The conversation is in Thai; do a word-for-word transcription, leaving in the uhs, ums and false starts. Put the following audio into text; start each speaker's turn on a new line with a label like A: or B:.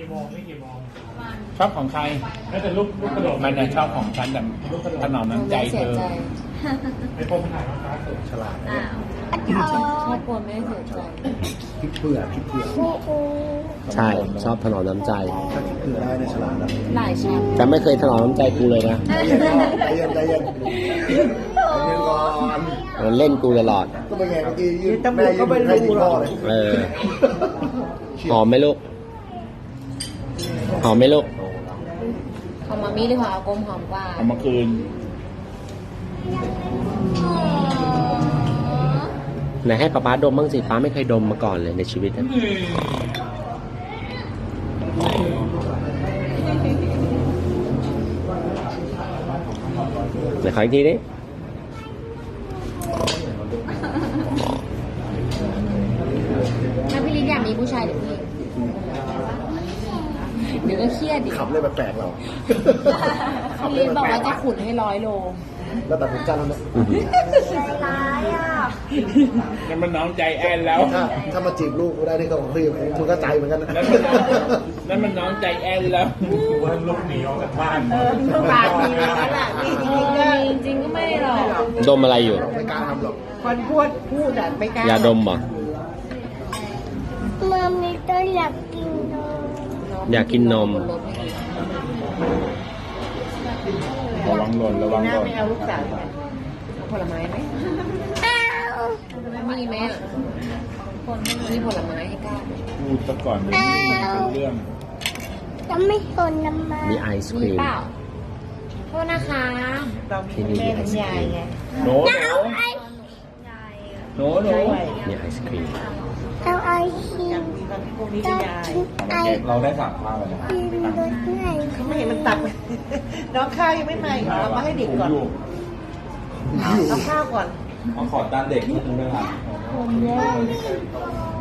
A: โมงไม่กี่โมง
B: ชอบของใคร
A: แล้วแต่ลูกลูกกระโดด
B: มันน่ะชอบของฉันแต่ถนอมน้ำใจเธอ
A: ไอ้พวกถ่ายมาฟ้าสุด
C: ฉลาด
D: อ้าว
E: ครอบครัวไม่ได้เสียใจ
C: คิดเผื่อคิดเผื่อ
F: ใช่ชอบถนอมน้ำใจ
C: ถ้าคิดเผื่อได้ในยฉลาดนะ
E: หลายชั้น
F: แต่ไม่เคยถนอมน้ำใจกูเลยนะ
C: ใจเย็นใจเย็นใจเย็นใจเย็นก่อน
F: มันเล่นกูตลอด
C: ก็เป็นไงเมื่อกี้ยืนแม่ยืนให้ที่พ่อเลย
F: เออ หอมไหมลูก หอมไหมลูก
E: ของมามี่หรือของอากงหอมกว่า
B: เอามาคืน
F: ไหนให้ป๊าป๊าดมบ้างสิป๊าไม่เคยดมมาก่อนเลยในชีวิตนะไหนขออีกทีดิ
E: ถ้าพี่ลิศอยากมีผู้ชายหรือผู้หญิงเดี๋ยวก็เครียดดิ
C: ขับเลยแปลกๆเราขับ
E: พี่
C: เล
E: ลิ
C: ย
E: ศบอก
C: แปล
E: ว่าก จะขุนให้ร้อยโล
C: ๆแล้วแต่ผมจันแล้วเนี่ย
D: ร้ายอ่ะ
B: นั่นมันน้องใจแอนแล้ว
C: ถ้าถ้ามาจีบลูกกูได้นี่ก็ของพี่มึงก็ใจเหมือนกันนะ
B: นั่นมันน้องนั่นมันน้องใจแอนแล้ว
A: ว่าลูกหนีออกจากบ้าน
D: ปากดีนั่นแหละมีจริงๆก็
E: จริงๆก็ไม่หรอก
F: ดมอะไรอยู่
C: ไม่กล้าทำหรอก
D: คนพูดพูดอ่ะไม่กล้าย
F: าดมเหรอ
G: มามีตัวอยากกินนม
F: อยากกินนม
B: ระวังหล่นระวัง
D: หน้า
B: หล่น
D: ไม่เอาลูกสาวเอาผลไม้ไหม
G: อ้าว
E: มีไหมอ่ะคนไม่มีผลไม้ให้กล้า
B: พูดซะก่อนเดี๋ยวนี้มันเป็นเรื่อง
G: จะไม่ทนน้ำมัน
F: มีไอศค
E: มี
F: รีม
E: เปล่าโทษนะคะ
D: เรามีแม่เป็นยายไง
B: โหนโหนโหนโหน
F: มีไอศครีม
G: เอาไอคิ
D: อ
G: ม
D: ยากมีตอนที่พวกนี้
G: ก็
D: เป็นยาย
G: กินไอ
B: เราได้สั่งข้าวแล้วนะ
G: คิมรสไหน
D: เขาไม่เห็นมันตักน้องข้าวยังไม่มาเอามาให้เด็กก่อนเอาข้าวก่อน
B: เอาขอตามเด็กนิดนึงด้วยค่ะ
G: ผมเลย